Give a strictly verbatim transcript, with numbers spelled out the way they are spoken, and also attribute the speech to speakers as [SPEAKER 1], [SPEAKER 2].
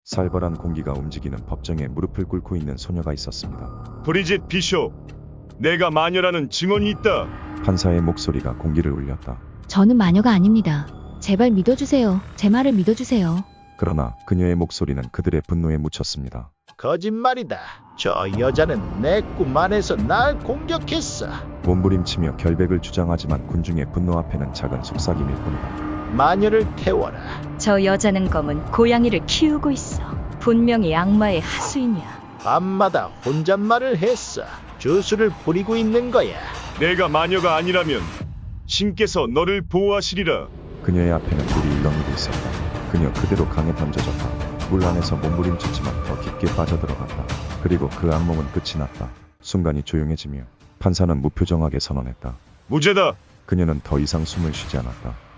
[SPEAKER 1] 살벌한 공기가 움직이는 법정에 무릎을 꿇고 있는 소녀가 있었습니다.
[SPEAKER 2] 브리짓 비숍, 내가 마녀라는 증언이 있다.
[SPEAKER 1] 판사의 목소리가 공기를 울렸다.
[SPEAKER 3] 저는 마녀가 아닙니다. 제발 믿어주세요. 제 말을 믿어주세요.
[SPEAKER 1] 그러나 그녀의 목소리는 그들의 분노에 묻혔습니다.
[SPEAKER 4] 거짓말이다. 저 여자는 내 꿈 안에서 날 공격했어.
[SPEAKER 1] 몸부림치며 결백을 주장하지만 군중의 분노 앞에는 작은 속삭임일 뿐이다.
[SPEAKER 4] 마녀를 태워라.
[SPEAKER 5] 저 여자는 검은 고양이를 키우고 있어. 분명히 악마의 하수인이야.
[SPEAKER 4] 밤마다 혼잣말을 했어. 주술을 부리고 있는 거야.
[SPEAKER 2] 내가 마녀가 아니라면 신께서 너를 보호하시리라.
[SPEAKER 1] 그녀의 앞에는 물이 일렁이고 있었다. 그녀 그대로 강에 던져졌다. 물 안에서 몸부림쳤지만 더 깊게 빠져들어갔다. 그리고 그 악몽은 끝이 났다. 순간이 조용해지며 판사는 무표정하게 선언했다.
[SPEAKER 2] 무죄다.
[SPEAKER 1] 그녀는 더 이상 숨을 쉬지 않았다.